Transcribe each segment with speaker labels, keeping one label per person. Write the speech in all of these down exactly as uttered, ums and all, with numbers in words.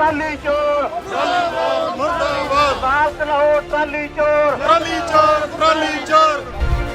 Speaker 1: Trolley ਚੋਰ
Speaker 2: ਮੁਰਦਾਬਾਦ
Speaker 1: ਬਾਤ ਲਾਓ ਟਰਾਲੀ ਚੋਰ
Speaker 2: ਟਰਾਲੀ ਚੋਰ ਟਰਾਲੀ ਚੋਰ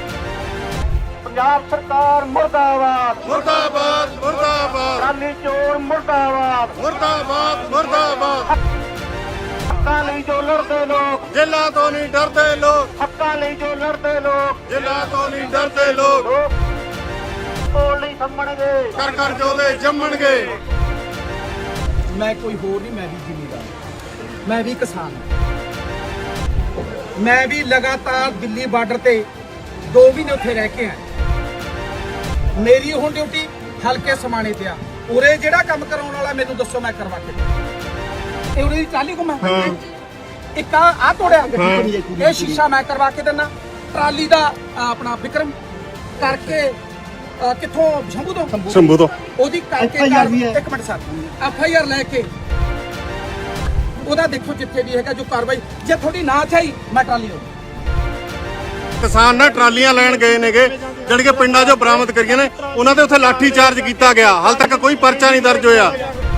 Speaker 1: ਪੰਜਾਬ ਸਰਕਾਰ ਮੁਰਦਾਬਾਦ
Speaker 2: ਮੁਰਦਾਬਾਦ ਮੁਰਦਾਬਾਦ
Speaker 1: ਟਰਾਲੀ ਚੋਰ ਮੁਰਦਾਬਾਦ
Speaker 2: ਮੁਰਦਾਬਾਦ ਮੁਰਦਾਬਾਦ
Speaker 1: ਹੱਕਾਂ ਲਈ ਜੋ ਲੜਦੇ ਲੋਕ
Speaker 2: ਜੇਲਾਂ ਤੋਂ ਨਹੀਂ ਡਰਦੇ ਲੋਕ
Speaker 1: ਹੱਕਾਂ ਲਈ ਜੋ ਲੜਦੇ ਲੋਕ
Speaker 2: ਜੇਲਾਂ ਤੋਂ ਨਹੀਂ ਡਰਦੇ ਲੋਕ
Speaker 1: ਲੋਕ ਕੋਲ ਨਹੀਂ ਸੰਭਣਗੇ
Speaker 2: ਕਰ ਕਰ ਜੋਦੇ ਜੰਮਣਗੇ।
Speaker 3: ਮੈਂ ਕੋਈ ਹੋਰ ਨਹੀਂ, ਮੈਂ ਵੀ ਜ਼ਿਮੀਂਦਾਰ, ਮੈਂ ਵੀ ਕਿਸਾਨ ਹਾਂ। ਮੈਂ ਵੀ ਲਗਾਤਾਰ ਦਿੱਲੀ ਬਾਰਡਰ ਤੇ ਦੋ ਮਹੀਨੇ ਉੱਥੇ ਰਹਿ ਕੇ ਆਇਆ। ਮੇਰੀ ਹੁਣ ਡਿਊਟੀ ਹਲਕੇ ਸਮਾਣੇ ਤੇ ਆ। ਉਰੇ ਜਿਹੜਾ ਕੰਮ ਕਰਾਉਣ ਵਾਲਾ ਮੈਨੂੰ ਦੱਸੋ, ਮੈਂ ਕਰਵਾ ਕੇ ਦਿੰਦਾ। ਇਹ ਉਰੇ ਦੀ ਟਰਾਲੀ ਘੁੰਮਾ ਇੱਕ ਆ ਆ ਤੋੜਿਆ, ਇਹ ਸ਼ੀਸ਼ਾ ਮੈਂ ਕਰਵਾ ਕੇ ਦਿੰਦਾ। ਟਰਾਲੀ ਦਾ ਆਪਣਾ ਵਿਕਰਮ ਕਰਕੇ ਅ, ਕਿੱਥੋਂ ਸ਼ੰਭੂ ਤੋਂ
Speaker 2: ਸ਼ੰਭੂ ਤੋਂ
Speaker 3: ਉਹਦੀ ਕਰਕੇ ਇੱਕ minute sir F I R ਲੈ ਕੇ ਉਹਦਾ ਦੇਖੋ ਜਿੱਥੇ ਵੀ ਹੈਗਾ ਜੋ ਕਾਰਵਾਈ, ਜੇ ਤੁਹਾਡੀ ਨਾ ਚਾਹੀ ਮੈਂ ਟਰਾਲੀ ਹੋ
Speaker 2: ਕਿਸਾਨ ਨਾ ਟਰਾਲੀਆਂ ਲੈਣ ਗਏ ਨੇਗੇ ਜਿਹੜੀ ਕਿ ਪਿੰਡਾਂ 'ਚੋਂ ਬਰਾਮਦ ਕਰੀਆਂ ਨੇ, ਉਹਨਾਂ ਤੇ ਉੱਥੇ ਲਾਠੀ ਚਾਰਜ ਕੀਤਾ ਗਿਆ। ਹਾਲ ਤੱਕ ਕੋਈ ਪਰਚਾ ਨਹੀਂ ਦਰਜ ਹੋਇਆ।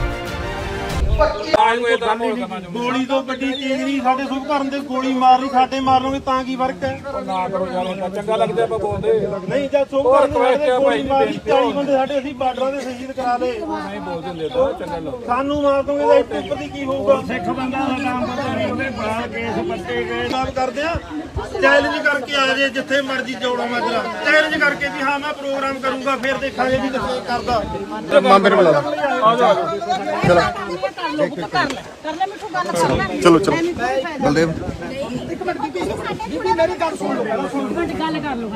Speaker 4: ਗੋਲੀ ਤੋਂ ਵੱਡੀ ਚੀਜ਼ ਨਹੀਂ, ਸਾਡੇ ਸੁਖ ਭਰਨ ਦੇ ਗੋਲੀ ਮਾਰਨੀ, ਸਾਡੇ ਮਾਰਨੋਗੇ ਤਾਂ ਕੀ ਫਰਕ ਹੈ?
Speaker 5: ਨਾ ਕਰੋ ਯਾਰ, ਚੰਗਾ ਲੱਗਦਾ ਆਪਾਂ ਬੋਲਦੇ
Speaker 4: ਨਹੀਂ ਜਦ ਸੁਖ ਭਰਨ ਦੇ ਗੋਲੀ ਮਾਰੀ ਚਾਲੀ ਬੰਦੇ ਸਾਡੇ ਅਸੀਂ ਬਾਰਡਰਾਂ ਦੇ ਸ਼ਹੀਦ ਕਰਾ ਲਏ,
Speaker 5: ਨਹੀਂ ਬੋਲਦੇ ਹੁੰਦੇ ਤਾਂ ਚੰਗਾ ਲੱਗਦਾ।
Speaker 4: ਸਾਨੂੰ ਮਾਰ ਦੋਗੇ ਤਾਂ ਇੱਥੇ ਉੱਪਰ ਦੀ ਕੀ ਹੋਊਗਾ? ਸਿੱਖ ਬੰਦਾ ਦਾ ਨਾਮ ਪਤਾ ਨਹੀਂ, ਉਹਦੇ ਬਾਹਰ ਕੇਸ ਪੱਟੇ ਗਏ। ਕੰਮ ਕਰਦੇ ਆ, ਚੈਲੰਜ ਕਰਕੇ ਆ ਜੇ ਜਿੱਥੇ ਮਰਜ਼ੀ ਜੋੜੋ ਮਾਜਰਾ, ਚੈਲੰਜ ਕਰਕੇ ਵੀ ਹਾਂ ਮੈਂ ਪ੍ਰੋਗਰਾਮ ਕਰੂੰਗਾ, ਫਿਰ ਦੇਖਾਂਗੇ ਵੀ ਕਿੱਥੇ ਕਰਦਾ।
Speaker 2: ਮਾਮੇ ਨੂੰ ਬੁਲਾ ਚਲੋ ਚਲੋ ਬਲਦੇਵ
Speaker 3: ਇੱਕ ਮਿੰਟ ਬੀਬੀ ਬੀਬੀ ਮੇਰੀ ਗੱਲ ਸੁਣ ਲਓ।
Speaker 6: ਗੱਲ ਕਰ ਲਓ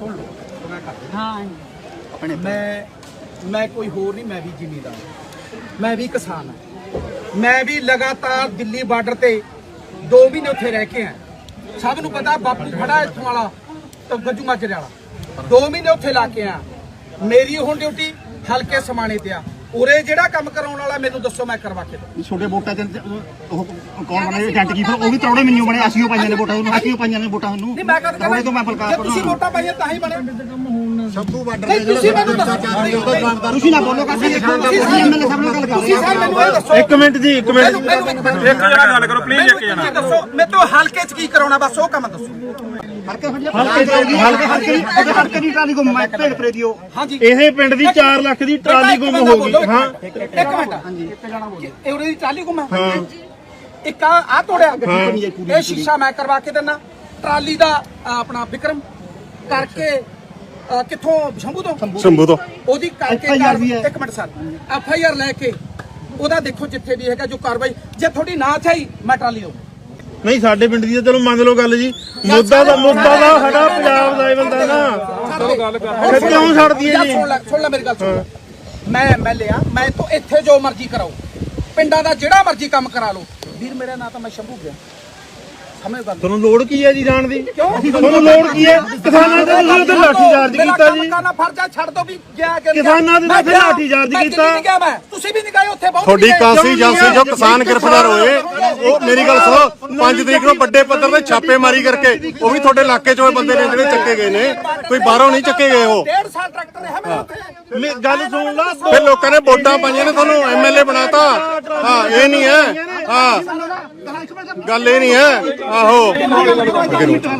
Speaker 6: ਹਾਂ
Speaker 3: ਮੈਂ ਮੈਂ ਕੋਈ ਹੋਰ ਨਹੀਂ, ਮੈਂ ਵੀ ਜ਼ਿਮੀਂਦਾਰ, ਮੈਂ ਵੀ ਕਿਸਾਨ ਹਾਂ। ਮੈਂ ਵੀ ਲਗਾਤਾਰ ਦਿੱਲੀ ਬਾਰਡਰ ਤੇ ਦੋ ਮਹੀਨੇ ਉੱਥੇ ਰਹਿ ਕੇ ਆਇਆ। ਸਭ ਨੂੰ ਪਤਾ ਬਾਪੂ ਖੜਾ ਇੱਥੋਂ ਵਾਲਾ ਤੇ ਗੱਜੂ ਮਾਜਰੇ ਵਾਲਾ, ਦੋ ਮਹੀਨੇ ਉੱਥੇ ਲਾ ਕੇ ਆਇਆ। ਮੇਰੀ ਹੁਣ ਡਿਊਟੀ ਹਲਕੇ ਸਮਾਣੇ ਤੇ ਆ। ਉਰੇ ਜਿਹੜਾ ਕੰਮ ਕਰਾਉਣ ਵਾਲਾ ਮੈਨੂੰ ਦੱਸੋ, ਮੈਂ ਕਰਵਾ ਕੇ ਦਊਂ।
Speaker 7: ਛੋਟੇ ਵੋਟਾਂ ਤੇ ਉਹ ਕੌਣ ਬਣੇ ਏਜੰਟ ਕੀ, ਉਹ ਵੀ ਤਰੌੜੇ ਮੈਨੂੰ ਬਣੇ, ਅਸੀਂ ਉਹ ਪਾਈਆਂ ਨੇ ਵੋਟਾਂ ਉਹਨੂੰ, ਅਸੀਂ ਉਹ ਪਾਈਆਂ ਨੇ ਵੋਟਾਂ ਉਹਨੂੰ।
Speaker 3: ਨਹੀਂ ਮੈਂ ਕਦ
Speaker 7: ਤਰੌੜੇ ਤੋਂ ਮੈਂ ਬਲਕਾਰ
Speaker 3: ਜੇ ਤੁਸੀਂ ਵੋਟਾਂ ਪਾਈਆਂ ਤਾਂ ਹੀ ਬਣੇ।
Speaker 7: ਸ਼ੰਭੂ ਬਾਰਡਰ
Speaker 3: ਨਹੀਂ ਤੁਸੀਂ ਮੈਨੂੰ ਦੱਸੋ,
Speaker 7: ਤੁਸੀਂ ਨਾ ਬੋਲੋ, kasi ਐਮਐਲਏ ਸਾਹਿਬ ਨਾਲ ਗੱਲ ਕਰ
Speaker 3: ਤੁਸੀਂ ਸਰ ਮੈਨੂੰ ਇਹ ਦੱਸੋ।
Speaker 4: ਇੱਕ ਮਿੰਟ ਜੀ, ਇੱਕ ਮਿੰਟ
Speaker 5: ਇੱਕ ਜਣਾ ਗੱਲ ਕਰੋ ਪਲੀਜ਼, ਇੱਕ ਜਣਾ
Speaker 3: ਦੱਸੋ ਮੈਂ ਤੋਂ ਹਲਕੇ ਚ ਕੀ ਕਰਾਉਣਾ, ਬਸ ਉਹ ਕੰਮ ਦੱਸੋ।
Speaker 7: ਹਲਕੇ ਹਲਕੇ ਹਲਕੇ ਹਲਕੇ ਦੀ ਟਰਾਲੀ ਗੁੰਮ, ਮੈਂ ਭੇਡ ਪਰੇ ਦਿਓ।
Speaker 3: ਹਾਂਜੀ
Speaker 4: ਇਹ ਪਿੰਡ ਦੀ ਚਾਰ ਲੱਖ ਦੀ ਟਰਾਲੀ ਗੁੰਮ ਹੋ ਗਈ। ਹਾਂ
Speaker 3: ਇੱਕ ਮਿੰਟ, ਹਾਂਜੀ ਇੱਕ ਜਣਾ ਬੋਲੋ। ਇਹ ਉਹਦੀ ਟਰਾਲੀ ਗੁੰਮ ਹੈ, ਇੱਕ ਆ ਆ ਤੋੜਿਆ, ਇਹ ਸ਼ੀਸ਼ਾ ਮੈਂ ਕਰਵਾ ਕੇ ਦਿੰਦਾ। ਟਰਾਲੀ ਦਾ ਆਪਣਾ ਵਿਕਰਮ ਕਰਕੇ ਅ, ਕਿੱਥੋਂ ਸ਼ੰਭੂ ਤੋਂ
Speaker 2: ਸ਼ੰਭੂ ਤੋਂ
Speaker 3: ਉਹਦੀ ਕਰਕੇ ਇੱਕ minute sir F I R ਲੈ ਕੇ ਉਹਦਾ ਦੇਖੋ ਜਿੱਥੇ ਵੀ ਹੈਗਾ ਜੋ ਕਾਰਵਾਈ, ਜੇ ਤੁਹਾਡੀ ਨਾ ਚਾਹੀ ਮੈਂ ਟਰਾਲੀ ਹੋ
Speaker 4: ਨਹੀਂ, ਸਾਡੇ ਪਿੰਡ ਦੀ ਤਾਂ ਚਲੋ ਮੰਨ ਲਓ ਗੱਲ ਜੀ। ਮੁੱਦਾ ਦਾ ਮੁੱਦਾ ਦਾ ਸਾਡਾ ਪੰਜਾਬ ਦਾ ਇਹ ਬੰਦਾ ਨਾ, ਫਿਰ ਕਿਉਂ ਛੱਡਦੀ ਹੈ ਜੀ?
Speaker 3: ਸੁਣ ਲੈ ਸੁਣ ਲੈ ਮੇਰੀ ਗੱਲ ਸੁਣ। ਮੈਂ ਐਮ ਐਲ ਏ ਆ, ਮੈਂ ਤੋਂ ਇੱਥੇ ਜੋ ਮਰਜ਼ੀ ਕਰਾਓ, ਪਿੰਡਾਂ ਦਾ ਜਿਹੜਾ ਮਰਜ਼ੀ ਕੰਮ ਕਰਾ ਲਓ। ਵੀਰ ਮੇਰਾ ਨਾਂ ਤਾਂ ਮੈਂ ਸ਼ੰਭੂ ਗਿਆ, ਸਮਝ ਗੱਲ।
Speaker 4: ਤੁਹਾਨੂੰ ਲੋੜ ਕੀ ਹੈ ਜੀ ਜਾਣ ਦੀ?
Speaker 3: ਕਿਉਂ
Speaker 4: ਤੁਹਾਨੂੰ ਲੋੜ ਕੀ ਹੈ? ਕਿਸਾਨਾਂ ਦੇ ਤੁਸੀਂ ਉੱਤੇ ਲਾਠੀ ਚਾਰਜ ਕੀਤਾ ਜੀ।
Speaker 3: ਕਰਨਾ ਫਰਜ਼ਾ ਛੱਡ ਦੋ ਵੀ ਗਿਆ ਕਿ
Speaker 4: ਕਿਸਾਨਾਂ ਦੇ ਉੱਤੇ ਲਾਠੀ ਚਾਰਜ ਕੀਤਾ।
Speaker 3: ਨਹੀਂ ਗਿਆ ਮੈਂ, ਤੁਸੀਂ ਵੀ ਨਹੀਂ ਗਏ ਉੱਥੇ, ਬਹੁਤ
Speaker 2: ਤੁਹਾਡੀ ਕਾਂਸੀ ਏਜੰਸੀ ਜੋ ਕਿਸਾਨ ਗ੍ਰਿਫਤਾਰ ਹੋਏ, ਉਹ ਮੇਰੀ ਗੱਲ ਸੁਣੋ, ਪੰਜ ਤਰੀਕ ਨੂੰ ਵੱਡੇ ਪੱਧਰ ਤੇ ਛਾਪੇਮਾਰੀ ਕਰਕੇ ਉਹ ਵੀ ਤੁਹਾਡੇ ਇਲਾਕੇ ਚੋਂ ਬੰਦੇ ਨੇ ਜਿਹੜੇ ਚੱਕੇ ਗਏ ਨੇ, ਕੋਈ ਬਾਹਰੋਂ ਨਹੀਂ ਚੱਕੇ ਗਏ। ਉਹ
Speaker 3: ਡੇਢ ਸਾਲ ਟਰੈਕਟਰ ਰਿਹਾ ਮੈਂ ਉੱਥੇ।
Speaker 4: ਮੇ- ਗੱਲ ਸੁਣ ਲਾ।
Speaker 2: ਫਿਰ ਲੋਕਾਂ ਨੇ ਵੋਟਾਂ ਪਾਈਆਂ ਨੇ, ਤੁਹਾਨੂੰ ਐਮ ਐਲ ਏ ਬਣਾਤਾ। ਹਾਂ ਇਹ ਨਹੀਂ ਹੈ, ਹਾਂ ਗੱਲ ਇਹ ਨਹੀਂ ਹੈ। ਆਹੋ
Speaker 3: ਬਿਲਕੁਲ ਮੈਂ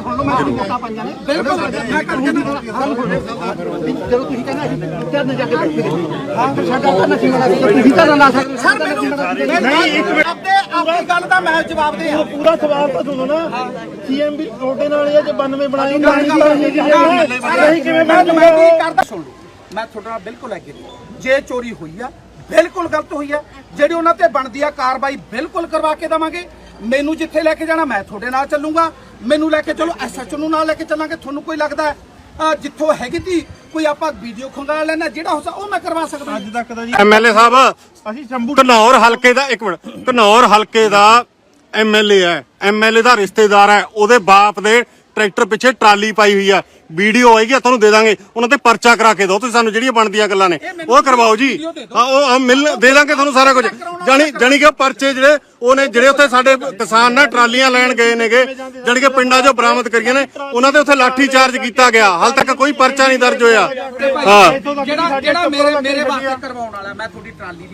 Speaker 7: ਜਦੋਂ ਤੁਸੀਂ ਕਹਿੰਦੇ ਕਰਨ ਜਾ ਕੇ ਬੈਠੇ ਹਾਂ, ਫਿਰ ਸਾਡਾ ਕਰਨਾ ਸੀ ਵਾਲਾ ਤੁਸੀਂ ਤਾਂ ਲਾ ਸਕਦੇ
Speaker 3: ਸਰ ਮੈਨੂੰ ਨਹੀਂ ਇੱਕ ਮਿੰਟ ਆਪਦੇ ਆਪਣੀ ਗੱਲ ਦਾ ਮੈਂ ਜਵਾਬ ਦੇ ਆ।
Speaker 4: ਪੂਰਾ ਸਵਾਲ ਤਾਂ ਸੁਣੋ ਨਾ। ਸੀਐਮ ਵੀ ਤੁਹਾਡੇ ਨਾਲ ਇਹ ਜੇ ਬਾਨਵੇਂ ਬਣਾਏ ਨਹੀਂ ਕਿਵੇਂ
Speaker 3: ਮੈਂ
Speaker 4: ਬਣ
Speaker 3: ਮੈਂ ਕੀ ਕਰਦਾ ਸੁਣ ਲਓ, ਮੈਂ ਤੁਹਾਡੇ ਨਾਲ ਬਿਲਕੁਲ ਐਗਰੀ। ਜੇ ਚੋਰੀ ਹੋਈ ਆ ਬਿਲਕੁਲ ਗਲਤ ਹੋਈ ਆ, ਜਿਹੜੀ ਉਹਨਾਂ ਤੇ ਬਣਦੀ ਆ ਕਾਰਵਾਈ ਬਿਲਕੁਲ ਕਰਵਾ ਕੇ ਦੇਵਾਂਗੇ। ਮੈਨੂੰ ਜਿੱਥੇ ਲੈ ਕੇ ਜਾਣਾ ਮੈਂ ਤੁਹਾਡੇ ਨਾਲ ਚੱਲੂਗਾ, ਮੈਨੂੰ ਲੈ ਕੇ ਚਲੋ ਐਸ ਐਚ ਓ ਨੂੰ ਨਾਲ ਲੈ ਕੇ ਚੱਲਾਂਗੇ। ਤੁਹਾਨੂੰ ਕੋਈ ਲੱਗਦਾ ਜਿੱਥੋਂ ਹੈਗੀ ਤੀ ਕੋਈ ਆਪਾਂ ਵੀਡੀਓ ਖੰਗਾ ਲੈਣਾ, ਜਿਹੜਾ ਹੋ ਸਕਦਾ ਉਹ ਮੈਂ ਕਰਵਾ ਸਕਦਾ।
Speaker 4: ਅੱਜ ਤੱਕ ਤਾਂ ਜੀ
Speaker 2: ਐਮ ਐਲ ਏ ਸਾਹਿਬ
Speaker 4: ਅਸੀਂ ਸ਼ੰਭੂ
Speaker 2: ਘਨੌਰ ਹਲਕੇ ਦਾ, ਇੱਕ ਮਿੰਟ, ਘਨੌਰ ਹਲਕੇ ਦਾ ਐਮ ਐਲ ਏ ਹੈ, ਐਮ ਐਲ ਏ ਦਾ ਰਿਸ਼ਤੇਦਾਰ ਹੈ, ਉਹਦੇ ਬਾਪ ਦੇ ਟਰੈਕਟਰ ਪਿੱਛੇ ਟਰਾਲੀ ਪਾਈ ਹੋਈ ਆ। ਵੀਡੀਓ ਆਏਗੀ ਤੁਹਾਨੂੰ ਦੇ ਦਾਂਗੇ, ਉਹਨਾਂ ਤੇ ਪਰਚਾ ਕਰਾ ਕੇ ਦਿਓ ਤੁਸੀਂ ਸਾਨੂੰ, ਜਿਹੜੀਆਂ ਬਣਦੀਆਂ ਗੱਲਾਂ ਨੇ ਉਹ ਕਰਵਾਓ ਜੀ। ਹਾਂ ਉਹ ਮਿਲ ਦੇ ਦਾਂਗੇ ਤੁਹਾਨੂੰ ਸਾਰਾ ਕੁਝ। ਜਾਣੀ ਜਾਣੀ ਕਿ ਪਰਚੇ ਜਿਹੜੇ ਉਹਨੇ ਜਿਹੜੇ ਉੱਥੇ ਸਾਡੇ ਕਿਸਾਨ ਨਾ ਟਰਾਲੀਆਂ ਲੈਣ ਗਏ ਨੇਗੇ, ਜਿਹੜੀ ਕਿ ਪਿੰਡਾਂ 'ਚੋਂ ਬਰਾਮਦ ਕਰੀਆਂ ਨੇ, ਉਹਨਾਂ ਤੇ ਉੱਥੇ ਲਾਠੀ ਚਾਰਜ ਕੀਤਾ ਗਿਆ। ਹਾਲ ਤੱਕ ਕੋਈ ਪਰਚਾ ਨਹੀਂ ਦਰਜ ਹੋਇਆ। ਹਾਂ
Speaker 3: ਜਿਹੜਾ ਜਿਹੜਾ ਮੇਰੇ ਮੇਰੇ ਵਾਸਤੇ ਕਰਵਾਉਣ ਵਾਲਾ, ਮੈਂ ਤੁਹਾਡੀ ਟਰਾਲੀ